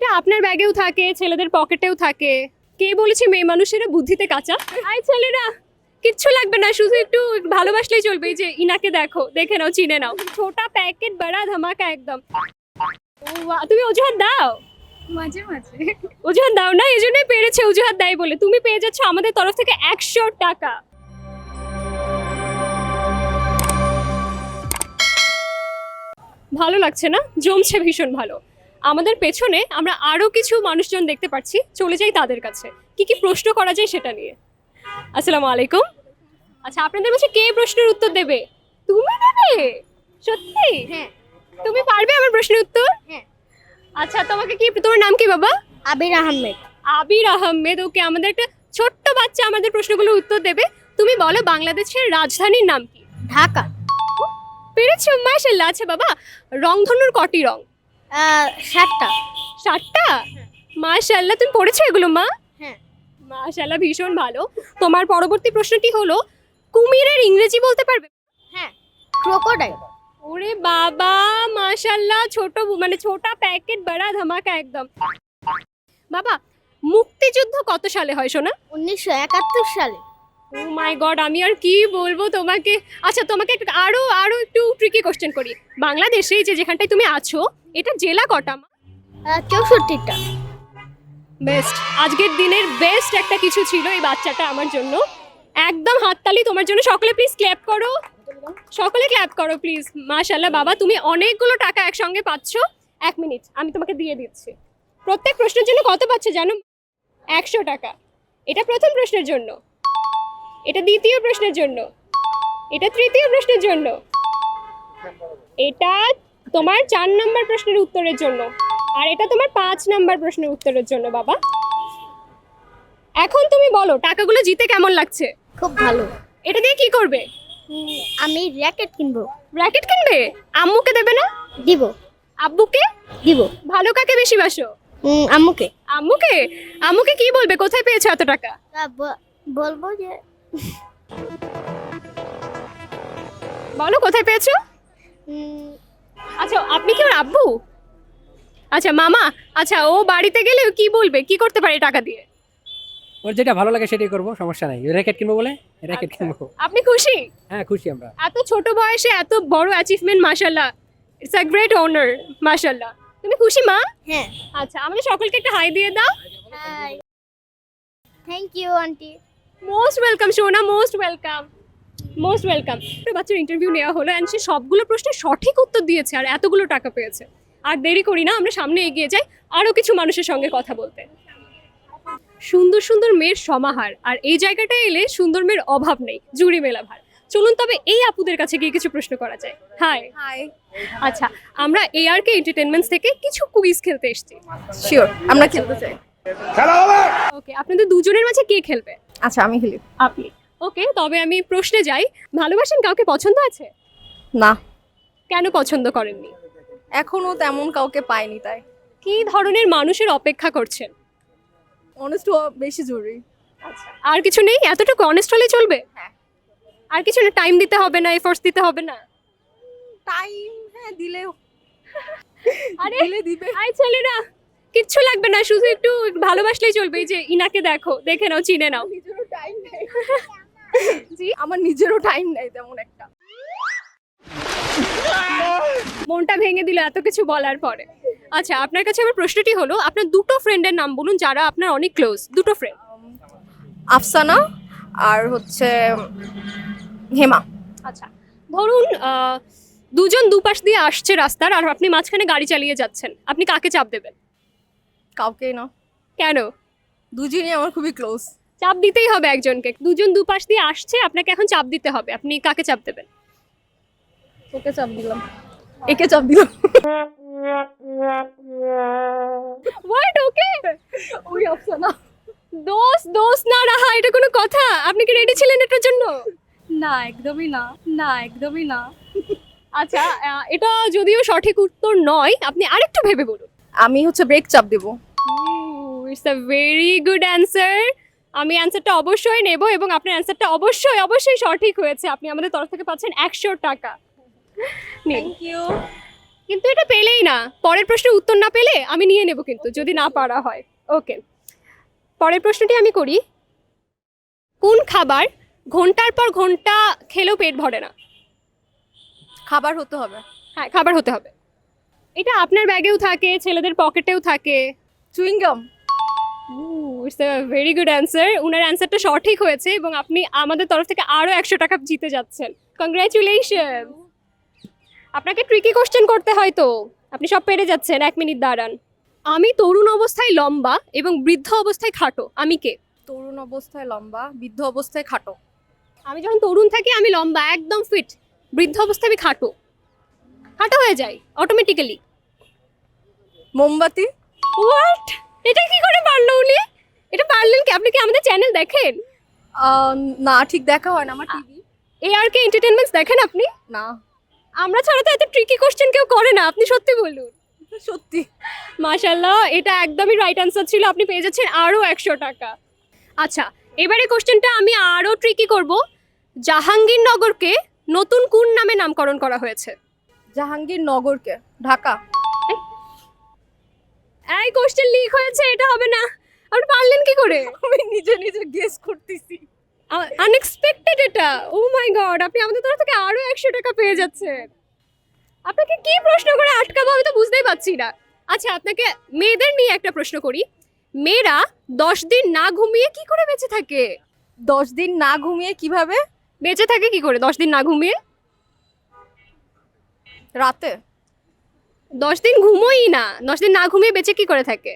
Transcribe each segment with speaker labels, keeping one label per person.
Speaker 1: এটা আপনার ব্যাগেও থাকে, ছেলেদের পকেটেও থাকে। কে বলেছে মেয়ে মানুষেরা বুদ্ধিতে কাঁচা? আই ছেলেরা, কিচ্ছু লাগবে না, শুধু একটু ভালোবাসলেই চলবে। এই যে ইনাকে দেখো, দেখে নাও, চিনে নাও। ছোটা প্যাকেট বড়া ধামাকা একদম। ও বাহ, তুমি অজুহাত দাও?
Speaker 2: মাঝে মাঝে।
Speaker 1: অজুহাত দাও না, এই জন্যই পেরেছে অজুহাত দেয় বলে। তুমি পেয়ে যাচ্ছ আমাদের তরফ থেকে 100 টাকা। ভালো লাগছে না? জমছে ভীষণ ভালো। আমাদের পেছনে আমরা আরো কিছু মানুষজন দেখতে পাচ্ছি, চলে যাই তাদের কাছে। কি কি প্রশ্ন করা যায় সেটা নিয়ে। আসসালামু আলাইকুম। আচ্ছা, আপনাদের কাছে কে প্রশ্নের উত্তর দেবে? তুমি দেবে? সত্যি?
Speaker 2: হ্যাঁ।
Speaker 1: তুমি পারবে আমার প্রশ্নের উত্তর?
Speaker 2: হ্যাঁ।
Speaker 1: আচ্ছা, তোমাকে কি, তোমার নাম কি বাবা?
Speaker 2: আবির আহমেদ।
Speaker 1: আবির আহমেদ। ওকে, আমাদের একটা ছোট্ট বাচ্চা আমাদের প্রশ্নগুলোর উত্তর দেবে। তুমি বলো বাংলাদেশের রাজধানীর নাম কি?
Speaker 2: ঢাকা।
Speaker 1: পেরেছো, মাশাআল্লাহ। আচ্ছা বাবা, রংধনুর কটি রং?
Speaker 2: 7টা।
Speaker 1: 7টা? মাশাআল্লাহ, তুমি পড়েছো এগুলো মা?
Speaker 2: হ্যাঁ।
Speaker 1: মাশাআল্লাহ, ভীষণ ভালো। তোমার পরবর্তী প্রশ্নটি হলো, কুমিরের ইংরেজি বলতে পারবে?
Speaker 2: হ্যাঁ। ক্রোকোডাইল।
Speaker 1: ওরে বাবা, মাশাআল্লাহ, ছোট মানে ছোটা প্যাকেট বড়া ধামাকা একদম। বাবা, মুক্তিযুদ্ধ কত সালে হয় সোনা?
Speaker 2: 1971 সালে।
Speaker 1: ও মাই গড, আমি আর কি বলবো তোমাকে। আচ্ছা, তোমাকে আরো আরো একটু ট্রিকি কোশ্চেন করি। বাংলাদেশে যে যেখানটায় তুমি আছো, এটা জেলা কটা মা?
Speaker 2: 64টা।
Speaker 1: বেস্ট, আজকের দিনের বেস্ট একটা কিছু ছিল এই বাচ্চাটা আমার জন্য। একদম হাততালি তোমার জন্য। সকলে প্লিজ ক্ল্যাপ করো, সকলে ক্ল্যাপ করো প্লিজ। মাশাআল্লাহ বাবা, তুমি অনেকগুলো টাকা একসঙ্গে পাচ্ছ। 1 মিনিট, আমি তোমাকে দিয়ে দিচ্ছি। প্রত্যেক প্রশ্নের জন্য কত পাচ্ছ জানো? 100 টাকা। এটা প্রথম প্রশ্নের জন্য, এটা দ্বিতীয় প্রশ্নের জন্য, এটা তৃতীয় প্রশ্নের জন্য, এটা তোমার 4 নম্বর প্রশ্নের উত্তরের জন্য, আর এটা তোমার 5 নম্বর প্রশ্নের উত্তরের জন্য বাবা। এখন তুমি বলো টাকাগুলো জিতে কেমন লাগছে?
Speaker 2: খুব ভালো।
Speaker 1: এটা দিয়ে কি করবে?
Speaker 2: আমি র্যাকেট কিনবো।
Speaker 1: র্যাকেট কিনবে? আম্মুকে দেবে না?
Speaker 2: দিব।
Speaker 1: আব্বুকে?
Speaker 2: দিব।
Speaker 1: ভালো কাকে বেশি বাসো?
Speaker 2: আম্মুকে।
Speaker 1: আম্মুকে? আম্মুকে কি বলবে কোথায় পেয়েছো এত টাকা?
Speaker 2: বলবো যে
Speaker 1: বলো কোথায় পেয়েছো। আচ্ছা, আপনি কি ওর আব্বু? আচ্ছা মামা, আচ্ছা ও বাড়িতে গেলে কি বলবে, কি করতে পারে টাকা দিয়ে?
Speaker 3: ওর যেটা ভালো লাগে সেটাই করবো, সমস্যা নাই। র্যাকেট কিনবো বলে র্যাকেট কিনবো।
Speaker 1: আপনি খুশি?
Speaker 3: হ্যাঁ, খুশি আমরা।
Speaker 1: এত ছোট বয়সে এত বড় অ্যাচিভমেন্ট, মাশাআল্লাহ, ইটস আ গ্রেট অনার, মাশাআল্লাহ। তুমি খুশি মা?
Speaker 2: হ্যাঁ।
Speaker 1: আচ্ছা, আমাদের সকলকে একটা হাই দিয়ে দাও।
Speaker 2: Hi. Thank you aunty.
Speaker 1: Most welcome সোনা, মোস্ট ওয়েলকাম, মোস্ট ওয়েলকাম। বাচ্চার ইন্টারভিউ নেওয়া হলো অ্যান্ড সে সবগুলো প্রশ্নের সঠিক উত্তর দিয়েছে আর এতগুলো টাকা পেয়েছে। আর দেরি করি না, আমরা সামনে এগিয়ে যাই আরও কিছু মানুষের সঙ্গে কথা বলতে। সুন্দর সুন্দর মেয়ের সমাহার, আর এই জায়গাটায় এলে সুন্দর মেয়ের অভাব নেই, জুড়ি মেলা ভার। চলুন তবে এই আপুদের কাছে গিয়ে কিছু প্রশ্ন করা যায়। হাই।
Speaker 2: হাই।
Speaker 1: আচ্ছা, আমরা ARK এন্টারটেইনমেন্টস থেকে কিছু কুইজ খেলতে এসেছি।
Speaker 4: শিওর, আমরা খেলতে চাই।
Speaker 1: ওকে, আপনাদের দুজনের মাঝে কে খেলবে?
Speaker 4: আচ্ছা, আমি খেলি।
Speaker 1: আপনি। ওকে, তবে আমি প্রশ্নে যাই। ভালোবাসেন কাউকে, পছন্দ আছে?
Speaker 4: না,
Speaker 1: কেন পছন্দ করেননি?
Speaker 4: এখনো তেমন কাউকে পাইনি, তাই।
Speaker 1: কি ধরনের মানুষের অপেক্ষা করছেন?
Speaker 4: অনেস্ট বেশি জরুরি।
Speaker 1: আচ্ছা, আর কিছু নেই? এতটুকু অনেস্ট হলে চলবে?
Speaker 4: হ্যাঁ।
Speaker 1: আর কিছু না? টাইম দিতে হবে না, এফোর্টস দিতে হবে না?
Speaker 4: টাইম, হ্যাঁ, দিলেও
Speaker 1: আরে
Speaker 4: দিলে দিবে।
Speaker 1: আই ছেলেরা, কিচ্ছু লাগবে না, শুধু একটু ভালোবাসলেই চলবে। এই যে ইনাকে দেখো, দেখে নাও, চিনে নাও।
Speaker 4: নিজেরও টাইম নেই।
Speaker 1: জি,
Speaker 4: আমার নিজেরও টাইম নেই তেমন একটা।
Speaker 1: মনটা ভেঙে দিল এত কিছু বলার পরে। আচ্ছা, আপনার কাছে আমার প্রশ্নটি হলো, আপনার দুটো ফ্রেন্ডের নাম বলুন যারা আপনার অনেক ক্লোজ, দুটো ফ্রেন্ড।
Speaker 4: আফসানা আর হচ্ছে হেমা।
Speaker 1: আচ্ছা, ধরুন দুজন দুপাশ দিয়ে আসছে রাস্তার, আর আপনি মাঝখানে গাড়ি চালিয়ে যাচ্ছেন, আপনি কাকে চাপ দেবেন?
Speaker 4: কাউকেই না,
Speaker 1: কেন?
Speaker 4: দুজনই আমার খুবই ক্লোজ।
Speaker 1: চাপ দিতেই হবে একজনকে। দুজন দুপাশ দিয়ে আসছে, আপনাকে এখন চাপ দিতে হবে, আপনি কাকে চাপ দেবেন?
Speaker 4: ওকে চাপ দিলাম, একে চাপ দিলাম।
Speaker 1: হোয়াট? ওকে,
Speaker 4: ওই আফসানা।
Speaker 1: দোস্ত দোস্ত না রাহা, এটা কোনো কথা? আপনি কি রেডি ছিলেন এটার জন্য?
Speaker 4: না, একদমই না, না একদমই না।
Speaker 1: আচ্ছা, এটা যদিও সঠিক উত্তর নয়, আপনি আরেকটু ভেবে বলুন।
Speaker 4: আমি হচ্ছে ব্রেক চাপ দেবো।
Speaker 1: It's a very good answer. আমি অ্যান্সারটা অবশ্যই নেব, এবং আপনার অ্যান্সারটা অবশ্যই অবশ্যই সঠিক হয়েছে। আপনি আমাদের তরফ থেকে পাচ্ছেন 100 টাকা। নিন।
Speaker 4: Thank you.
Speaker 1: কিন্তু এটা পেলেই না, পরের প্রশ্নের উত্তর না পেলে আমি নিয়ে নেব কিন্তু, যদি না পারা হয়। ওকে, পরের প্রশ্নটি আমি করি। কোন খাবার ঘন্টার পর ঘন্টা খেলেও পেট ভরে না?
Speaker 4: খাবার হতে হবে।
Speaker 1: হ্যাঁ, খাবার হতে হবে। এটা আপনার ব্যাগেও থাকে, ছেলেদের পকেটেও থাকে।
Speaker 4: Chewing gum.
Speaker 1: It's a very good answer. উনার অ্যান্সারটা সঠিক হয়েছে এবং আপনি আমাদের তরফ থেকে আরও 100 টাকা জিতে যাচ্ছেন। কংগ্রাচুলেশন। আপনাকে ট্রিকি কোশ্চেন করতে হয় তো, আপনি সব পেরে যাচ্ছেন। 1 মিনিট দাঁড়ান। আমি তরুণ অবস্থায় লম্বা এবং বৃদ্ধ অবস্থায় খাটো, আমি কে?
Speaker 4: তরুণ অবস্থায় লম্বা, বৃদ্ধ অবস্থায় খাটো।
Speaker 1: আমি যখন তরুণ থাকি আমি লম্বা, একদম ফিট। বৃদ্ধ অবস্থায় আমি খাটো, খাটো হয়ে যাই অটোমেটিক্যালি।
Speaker 4: মোমবাতি।
Speaker 1: হোয়াট? এটা কি করে পারলো উনি? এটা পারলেন কি? আপনি কি আমাদের চ্যানেল দেখেন?
Speaker 4: না, ঠিক দেখা হয় না আমার টিভি।
Speaker 1: ARK এন্টারটেইনমেন্টস দেখেন আপনি?
Speaker 4: না,
Speaker 1: আমরা ছাড়া তো এত ট্রিকি কোশ্চেন কেউ করে না, আপনি সত্যি বলুন।
Speaker 4: সত্যি।
Speaker 1: মাশাআল্লাহ, এটা একদমই রাইট অ্যান্সার ছিল। আপনি পেয়ে যাচ্ছেন আরও 100 টাকা। আচ্ছা, এবারে কোশ্চেনটা আমি আরও ট্রিকি করব। জাহাঙ্গীরনগরকে নতুন কোন নামে নামকরণ করা হয়েছে?
Speaker 4: জাহাঙ্গীরনগরকে ঢাকা।
Speaker 1: এই কোশ্চেন লিক হয়েছে, এটা হবে না। আপনি পারলেন কি করে?
Speaker 4: আমি নিজে নিজে গেস করতেছি।
Speaker 1: আনএক্সপেক্টেড এটা। ও মাই গড, আপনি আমাদের তরফ থেকে আরও 100 টাকা পেয়ে যাচ্ছেন। আপনাকে কি প্রশ্ন করে আটকাবো আমি তো বুঝতেই পারছি না। আচ্ছা, আপনাকে মেয়েদের নিয়ে একটা প্রশ্ন করি। মেয়েরা 10 দিন না ঘুমিয়ে কি করে বেঁচে থাকে?
Speaker 4: 10 দিন না ঘুমিয়ে কিভাবে?
Speaker 1: বেঁচে থাকে কি করে 10 দিন না ঘুমিয়ে?
Speaker 4: রাতে।
Speaker 1: 10 দিন ঘুমোই না, 10 দিন না ঘুমিয়ে বেঁচে কি করে থাকে?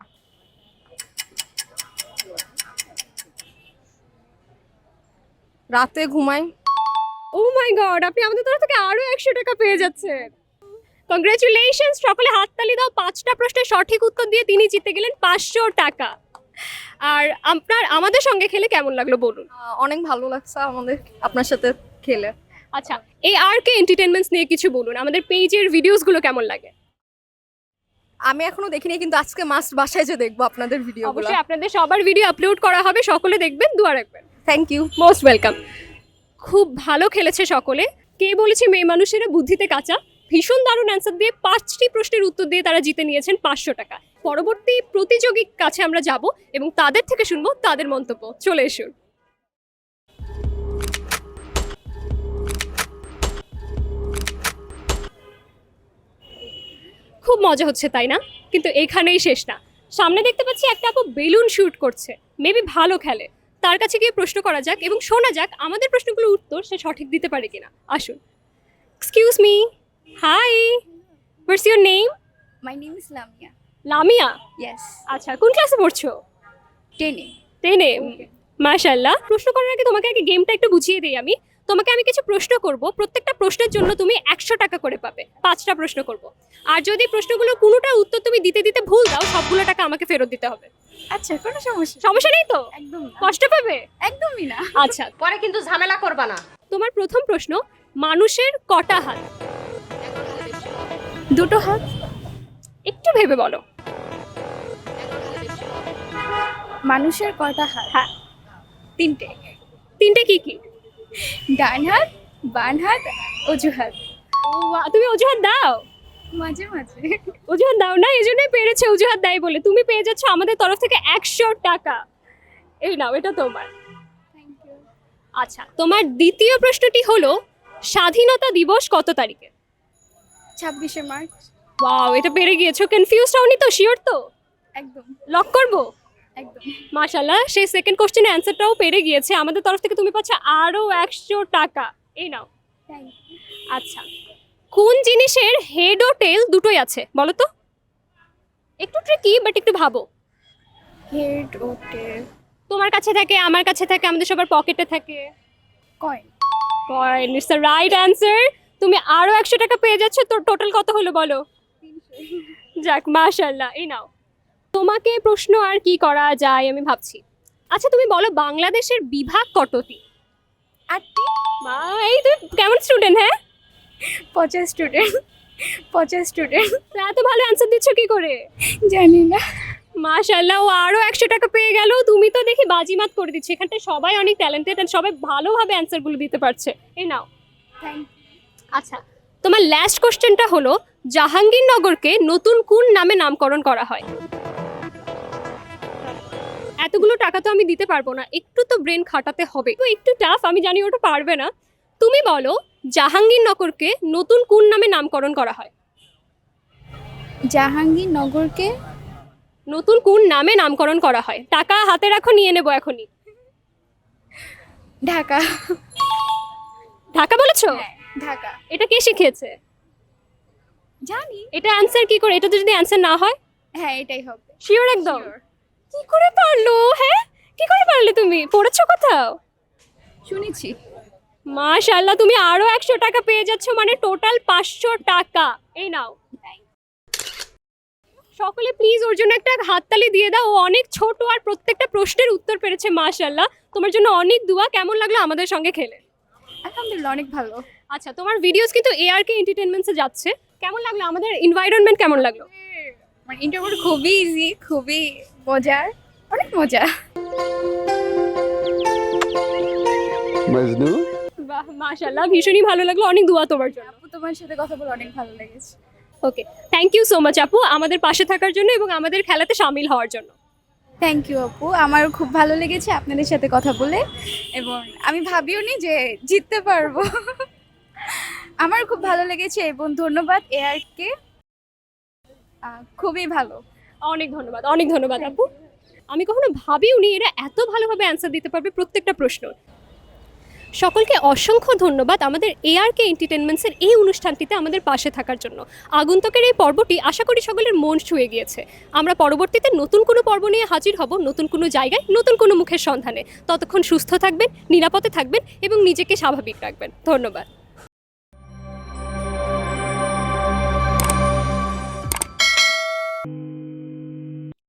Speaker 4: রাতে ঘুমাই।
Speaker 1: ও মাই গড, আপনি আমাদের তরফ থেকে আরো 100 টাকা পেয়ে যাচ্ছেন। কংগ্রাচুলেশনস, সকলে হাততালি দাও। 5টা প্রশ্নের সঠিক উত্তর দিয়ে তিনি জিতে গেলেন 500 টাকা। আর আমাদের সঙ্গে খেলে কেমন লাগলো বলুন?
Speaker 4: অনেক ভালো লাগছে আমাদের আপনার সাথে খেলে।
Speaker 1: আচ্ছা, এই ARK এন্টারটেইনমেন্টস নিয়ে কিছু বলুন। আমাদের পেজের ভিডিওসগুলো কেমন লাগে?
Speaker 4: আমি এখনো দেখিনি, কিন্তু আজকে মাস্ট বাসায় যে দেখবো আপনাদের ভিডিওগুলো।
Speaker 1: অবশ্যই আপনাদের সবার ভিডিও আপলোড করা হবে, সকলে দেখবেন, দোয়া রাখবেন।
Speaker 4: Thank you.
Speaker 1: Most welcome. খুব ভালো খেলেছে সকলে। কে বলেছে মেয়ে মানুষেরা বুদ্ধিতে কাঁচা? ভীষণ দারুণ অ্যান্সার দিয়ে 5টি প্রশ্নের উত্তর দিয়ে তারা জিতে নিয়েছেন 500 টাকা। পরবর্তী প্রতিযোগীর কাছে আমরা যাব এবং তাদের থেকে শুনবো তাদের মন্তব্য। চলে এসুন। খুব মজা হচ্ছে তাই না? কিন্তু এখানেই শেষ না। সামনে দেখতে পাচ্ছি একটা আপু বেলুন শুট করছে, মেবি ভালো খেলে। তার কাছে গিয়ে প্রশ্ন করা যাক এবং শোনা যাক আমাদের প্রশ্নগুলোর উত্তর সে সঠিক দিতে পারে কিনা। আসুন। Excuse me, hi, what's your name?
Speaker 2: My name is Lamia.
Speaker 1: Lamia.
Speaker 2: Yes.
Speaker 1: আচ্ছা, কোন ক্লাসে পড়ছো?
Speaker 2: 10.
Speaker 1: 10-এ। মাশাআল্লাহ। প্রশ্ন করার আগে তোমাকে আগে গেমটা একটু বুঝিয়ে দিই আমি। তোমাকে আমি কিছু প্রশ্ন করব, প্রত্যেকটা প্রশ্নের জন্য তুমি 100 টাকা করে পাবে। 5টা প্রশ্ন করব। আর যদি প্রশ্নগুলো কোনোটার উত্তর তুমি দিতে দিতে ভুল দাও, সবগুলো টাকা আমাকে ফেরত দিতে হবে।
Speaker 2: আচ্ছা, কোনো সমস্যা
Speaker 1: সমস্যা নেই তো?
Speaker 2: একদম না।
Speaker 1: কষ্ট পাবে?
Speaker 2: একদমই না।
Speaker 1: আচ্ছা,
Speaker 5: পরে কিন্তু ঝামেলা করবা না।
Speaker 1: তোমার প্রথম প্রশ্ন, মানুষের কটা হাত?
Speaker 2: 2 হাত।
Speaker 1: একটু ভেবে বলো।
Speaker 2: মানুষের কয়টা হাত?
Speaker 1: হ্যাঁ।
Speaker 2: 3টে।
Speaker 1: 3টে কি কি?
Speaker 2: ডান হাত, বাম হাত, অজুহাত।
Speaker 1: ও বাহ, তুমি অজুহাত দাও?
Speaker 2: মাঝে মাঝে।
Speaker 1: অজুহাত দাও না, এই জন্যই পেরেছে অজুহাত দেয় বলে। তুমি পেয়ে যাচ্ছ আমাদের তরফ থেকে 100 টাকা। এই নাও, এটা তোমার।
Speaker 2: Thank you.
Speaker 1: আচ্ছা, তোমার দ্বিতীয় প্রশ্নটি হলো স্বাধীনতা দিবস কত তারিখে?
Speaker 2: 26শে মার্চ।
Speaker 1: ওয়াও, এটা পেরে গিয়েছো। কনফিউজড হওনি তো? শিওর তো?
Speaker 2: একদম
Speaker 1: লক করবো?
Speaker 2: একদম।
Speaker 1: মাশাআল্লাহ, সেই সেকেন্ড কোশ্চেনের অ্যান্সারটাও পেরে গিয়েছে। আমাদের তরফ থেকে তুমি পাচ্ছ আরও 100 টাকা। এই নাও।
Speaker 2: Thank you.
Speaker 1: আচ্ছা, কোন জিনিসের হেড ও টেল দুটোই আছে বলো তো? একটু ট্রিকি, বাট একটু ভাবো।
Speaker 2: হেড ও টেল।
Speaker 1: তোমার কাছে থাকে, আমার কাছে থাকে, আমাদের সবার পকেটে থাকে।
Speaker 2: Coin.
Speaker 1: Coin. It's the right answer. তুমি আরও 100 টাকা পেয়ে যাচ্ছ। তো টোটাল কত হলো বলো?
Speaker 2: 300।
Speaker 1: যাক, মাশাআল্লাহ। এই নাও। তোমাকে প্রশ্ন আর কি করা যায় আমি ভাবছি। আচ্ছা, তুমি বলো বাংলাদেশের বিভাগ কতটি?
Speaker 2: 8টি।
Speaker 1: মা, এই তুমি কেমন স্টুডেন্ট? হ্যাঁ,
Speaker 2: 50 স্টুডেন্ট। 50 স্টুডেন্ট।
Speaker 1: তো এত ভালো অ্যান্সার দিচ্ছ কি করে?
Speaker 2: জানি না।
Speaker 1: মাশাআল্লাহ, ও আরও 100 টাকা পেয়ে গেল। তুমি তো দেখি বাজিমাত করে দিচ্ছ। এখানটায় সবাই অনেক ট্যালেন্টেড আর সবাই ভালোভাবে অ্যান্সারগুলো দিতে পারছে। এই নাও।
Speaker 2: থ্যাংক
Speaker 1: আচ্ছা, তোমার লাস্ট কোশ্চেনটা হলো জাহাঙ্গীরনগরকে নতুন কোন নামে নামকরণ করা হয়? এতগুলো টাকা তো আমি দিতে পারবো না, একটু তো ব্রেন খাটাতে হবে, তো একটু টাফ, আমি জানি ওটা পারবে না। তুমি বলো জাহাঙ্গীরনগরকে নতুন কোন নামে নামকরণ করা হয়?
Speaker 2: জাহাঙ্গীরনগরকে
Speaker 1: নতুন কোন নামে নামকরণ করা হয়? টাকা হাতে রাখো, নিয়ে নেবো এখনই।
Speaker 2: ঢাকা।
Speaker 1: ঢাকা বলেছো?
Speaker 2: হ্যাঁ, ঢাকা।
Speaker 1: এটা কে শিখিয়েছে?
Speaker 2: জানি।
Speaker 1: এটা অ্যান্সার কি করে? এটা তো যদি অ্যান্সার না হয়?
Speaker 2: হ্যাঁ, এটাই হবে।
Speaker 1: শিওর একদম?
Speaker 2: Sure.
Speaker 1: কি করে পারলো? হ্যাঁ, কি করে পারলে? তুমি পড়েছো কোথাও?
Speaker 2: শুনেছি।
Speaker 1: মাশাআল্লাহ, তুমি আরো 100 টাকা পেয়ে যাচ্ছ, মানে টোটাল 500 টাকা। এই নাও। সকলে প্লিজ ওর জন্য একটা হাততালি দিয়ে দাও, ও অনেক ছোট আর প্রত্যেকটা প্রশ্নের উত্তর পেরেছে। মাশাআল্লাহ, তোমার জন্য অনেক দোয়া। কেমন লাগলো আমাদের সঙ্গে খেলে?
Speaker 2: আলহামদুলিল্লাহ, অনেক ভালো।
Speaker 1: আচ্ছা, তোমার ভিডিওস কিন্তু ARK এন্টারটেইনমেন্টসে যাচ্ছে, কেমন লাগলো? আমাদের এনভায়রনমেন্ট কেমন লাগলো?
Speaker 2: মানে ইন্টারভিউ খুবই ইজি, খুবই মজার, অনেক মজা।
Speaker 6: মজনু
Speaker 1: বাহ, মাশাআল্লাহ, ভীষণই ভালো লাগলো। অনেক দোয়া তোমার জন্য।
Speaker 2: আপু, তোমার সাথে কথা বলে অনেক ভালো লেগেছে।
Speaker 1: Okay, thank you so much আপু, আমাদের পাশে থাকার জন্য এবং আমাদের খেলাতে শামিল হওয়ার জন্য।
Speaker 2: থ্যাংক ইউ আপু, আমারও খুব ভালো লেগেছে আপনাদের সাথে কথা বলে, এবং আমি ভাবিও নি যে জিততে পারবো। আমার খুব ভালো লেগেছে এবং ধন্যবাদ ARK-কে, খুবই ভালো।
Speaker 1: অনেক ধন্যবাদ, অনেক ধন্যবাদ আপু। আমি কখনো ভাবিওনি এরা এত ভালোভাবে অ্যান্সার দিতে পারবে প্রত্যেকটা প্রশ্ন। সকলকে অসংখ্য ধন্যবাদ আমাদের ARK এন্টারটেইনমেন্টসের এই অনুষ্ঠানটিতে আমাদের পাশে থাকার জন্য। আগন্তুকের এই পর্বটি আশা করি সকলের মন ছুঁয়ে গিয়েছে। আমরা পরবর্তীতে নতুন কোনো পর্ব নিয়ে হাজির হব, নতুন কোনো জায়গায়, নতুন কোনো মুখের সন্ধানে। ততক্ষণ সুস্থ থাকবেন, নিরাপদে থাকবেন এবং নিজেকে স্বাভাবিক রাখবেন। ধন্যবাদ।